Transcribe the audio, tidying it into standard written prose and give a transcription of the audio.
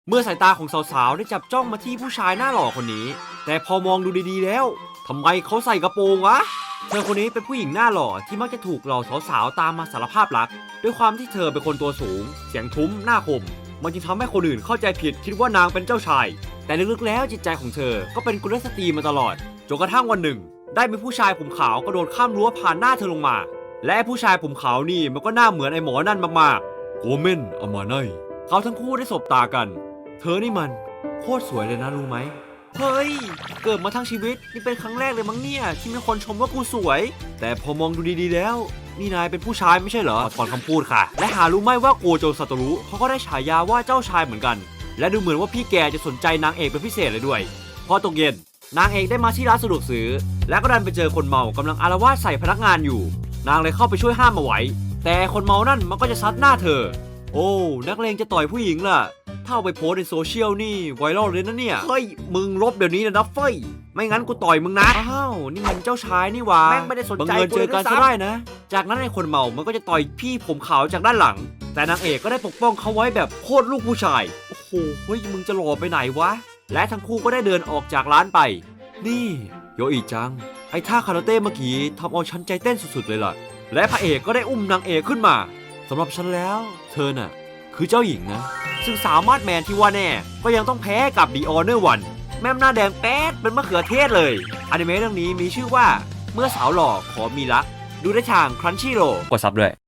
เมื่อสายตาของสาวๆได้จับจ้องมาที่ผู้ชายหน้าหล่อคนนี้แต่พอมองดูดีๆแล้วทำไมเขาใส่กระโปรงวะเธอคนนี้เป็นผู้หญิงหน้าหล่อที่มักจะถูกเหล่าสาวๆตามมาสารภาพรักด้วยความที่เธอเป็นคนตัวสูงเสียงทุ้มหน้าคมมันจึงทำให้คนอื่นเข้าใจผิดคิดว่านางเป็นเจ้าชายแต่ลึกๆแล้วจิตใจของเธอก็เป็นกุลสตรีมาตลอดจนกระทั่งวันหนึ่งได้มีผู้ชายผมขาวกระโดดข้ามรั้วผ่านหน้าเธอลงมาและผู้ชายผมขาวนี่มันก็หน้าเหมือนไอ้หมอนั่นมากๆโกเมนอามาไนเขาทั้งคู่ได้สบตากันเธอนี่มันโคตรสวยเลยนะรู้ไหมเฮ้ยเกิดมาทั้งชีวิตนี่เป็นครั้งแรกเลยมั้งเนี่ยที่มีคนชมว่ากูสวยแต่พอมองดูดีๆแล้วนี่นายเป็นผู้ชายไม่ใช่เหรอถอนคำพูดค่ะและหารู้ไหมว่าโกโจซาโตรุเขาก็ได้ฉายาว่าเจ้าชายเหมือนกันและดูเหมือนว่าพี่แกจะสนใจนางเอกเป็นพิเศษเลยด้วยพอตกเย็นนางเอกได้มาที่ร้านสะดวกซื้อและก็ดันไปเจอคนเมากำลังอาละวาดใส่พนักงานอยู่นางเลยเข้าไปช่วยห้ามเอาไว้แต่คนเมานั่นมันก็จะซัดหน้าเธอโอ้นักเลงจะต่อยผู้หญิงล่ะถ้าเอาไปโพสในโซเชียลนี่ไวรัลเลยนะเนี่ยเฮ้ยมึงลบเดี๋ยวนี้นะเฟ้ยไม่งั้นกูต่อยมึงนะอ้าวนี่มันเจ้าชายนี่หว่าแม่งไม่ได้สนใจเจอกันซะได้นะจากนั้นไอ้คนเมามันก็จะต่อยพี่ผมขาวจากด้านหลังแต่นางเอกก็ได้ปกป้องเขาไว้แบบโคตรลูกผู้ชายโอ้โหเฮ้ยมึงจะหล่อไปไหนวะและทั้งคู่ก็ได้เดินออกจากร้านไปนี่โยอิจังไอ้ท่าคาราเต้เมื่อกี้ทำเอาฉันใจเต้นสุดๆเลยล่ะและพระเอกก็ได้อุ้มนางเอกขึ้นมาสำหรับฉันแล้วเธอน่ะคือเจ้าหญิงนะซึ่งสามารถแมนที่ว่าแน่ก็ยังต้องแพ้กับ The Honor One แม่มหน้าแดงแป๊ดเป็นมะเขือเทศเลยอนิเมะเรื่องนี้มีชื่อว่าเมื่อสาวหล่อขอมีรักดูได้ทาง Crunchyroll กดซับด้วย